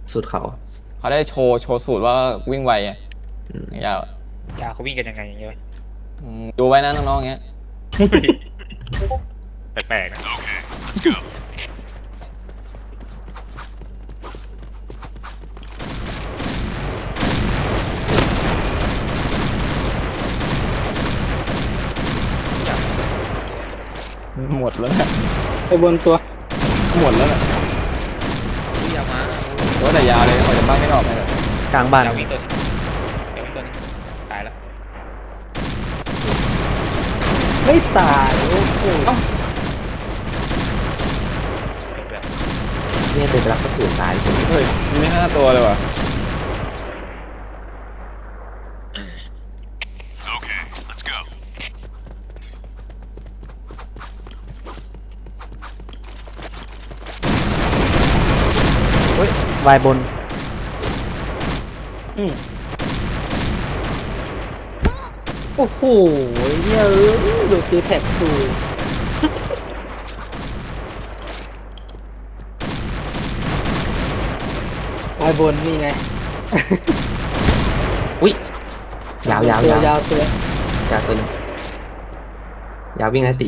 สุดเขาเขาได้โชว์สูตรว่าวิ่งไวอ่ะอืมยาวยาเขาวิ่งกันยังไงอย่างเงี้ยดูไว้นะน้องๆเงี้ยแปลกๆนะหมดแล้วนะไปบนตัวหมดแล้วนะยามาว่าแต่ยาวเลยออกจากบ้านไม่ออกเลยกลางบ้านยาวิ่งตัวนึงยาวิ่งตัวนึงตายแล้วไม่ตายโอ้โหเก็บแบบเนี่ยเดินไปรับกระสุนตายใช่ไหมเฮ้ยมีไม่5 ตัวเลยว่ะวายบนโอ้โหเนี่ยดูคือแท็กตูไอ้บนนี่ไงอุ้ยยาวยาวยาวยาวตัวยาวตัวนึงยาววิ่งนะตี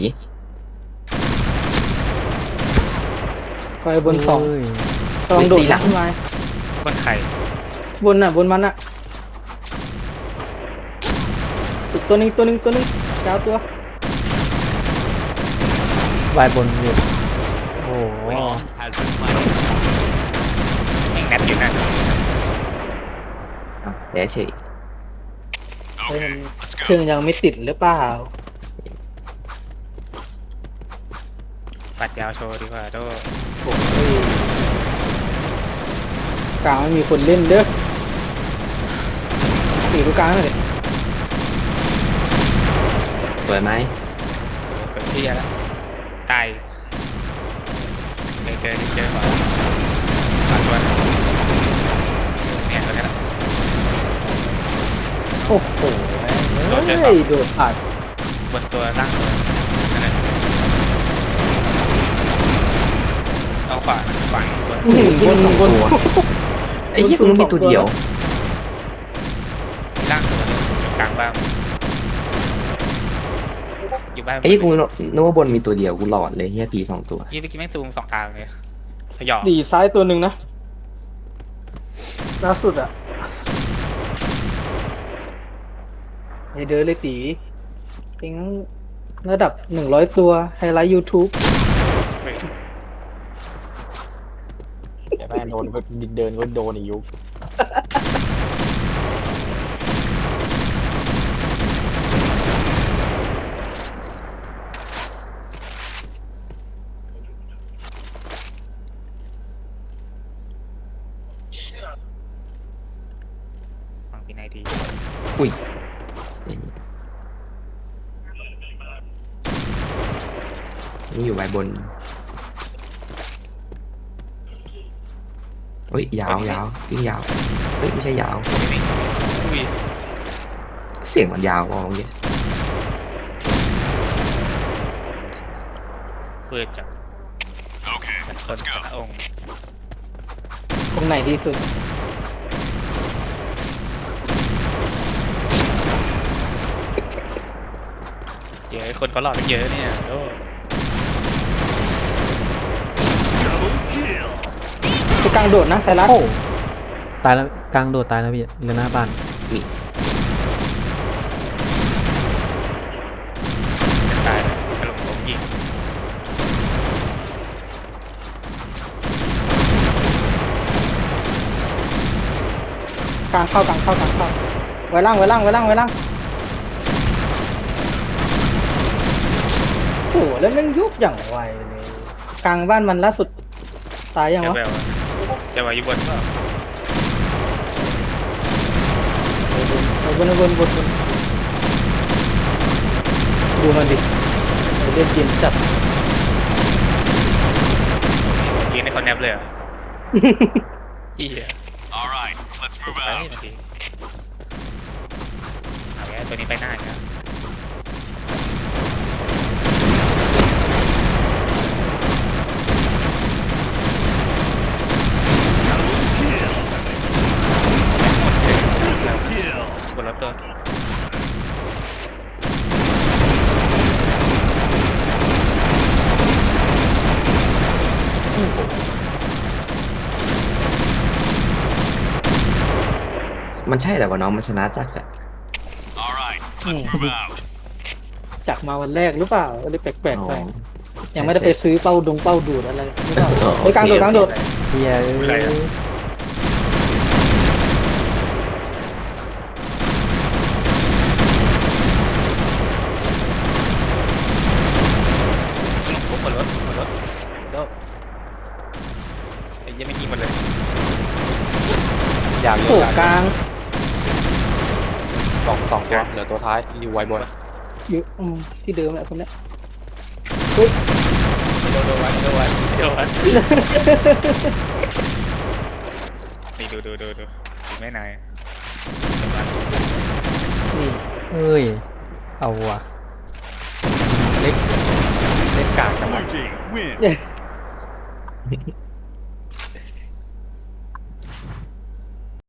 ไปบนสองเอ้ยลองโดดขึ้นมาบนไข่บนน่ะบนมันอ่ะอีกตัวนึงยาวตัววายบนอยู่โอ้โหแม่งแนบอยู่นะอ่ะแย่เฉยเฮ้ยมันเครื่องยังไม่ติดหรือเปล่าปัดยาวโชว์ดีกว่าโดโอ้ยกลางไม่มีคนเล่นเด้อตีลูกกลางหน่อยดิสวยไหมเกิดที่แล้วตายเจอก่อนปัดตัวเนี่ยตัวนี้แหละโอ้โหโดดเจอเฮ้ยโดดผ่านบนตัวล่างตัวนั่นแหละเอาขวาตัวโอ้ยยี่มีสองตัวไอ้ยี่มึงมีตัวเดียวล่างตัวนึงกลางบ้านอยู่บ้านไอ้ยี่กูนึกว่าบนมีตัวเดียวกูหลอนเลยเฮียผีสองตัวยี่เมื่อกี้แม่งซูม2 ทางเลยขยอดีซ้ายตัวหนึ่งนะล่าสุดอะไอเดินเลยตีเองระดับ100 ตัวไฮไลท์ YouTube อย่าได้โดนก็เดินก็โดนอีกยุคฝั่งปีนไอดีอุ้ยนี่อยู่ใบบนเฮ้ยยาวยาววิ่งยาวเฮ้ยไม่ใช่ยาวไม่อุ้ยเสียงมันยาวมองเงี้ยเพื่อจับมันคนพระองค์ตรงไหนดีสุดเยอะคนเขาหลอกกันเยอะเนี่ยโอ้จะกลางโดดนะไซรัสโอ้ตายแล้วกลางโดดตายแล้วพี่เหลือหน้าบ้านจะตายเลยกระหลงผมยิงกลางเข้ากลางเข้ไว้ล่างโอ้โหแล้วแม่งยุบอย่างไวเลยกลางบ้านมันล่าสุดตายยังวะแววจะว่าอยู่บนก็บนดูมันดิเล่นเกมจัดยิงในคอนแนบเลยเหรออีอ่ะไปเมื่อกี้เอาแกตัวนี้ไปหน้าอีกแล้วตัวมันใช่แต่ว่าน้องมันชนะจักรอะจากมาวันแรกหรือเปล่าเลยแปลกอ๋อๆไปยังไม่ได้ไปซื้อเป้าดูดอะไรหรือเปล่าอ๋อเฮ้ยกลางโดดกลางโดดเฮียอะไรอะ ปุ๊บหมดรถโดดไอ้ยังไม่ยิงหมดเลยอยากโผล่กลางสองตัวเหลือตัวท้ายอยู่ไวบนอยู่ที่เดิมแหละคนเนี้ยโดนไว้นี่ดูไม่นายนี่เอ้ยเอาว่ะเล่นกลางจังหวะ Blue team win. เย้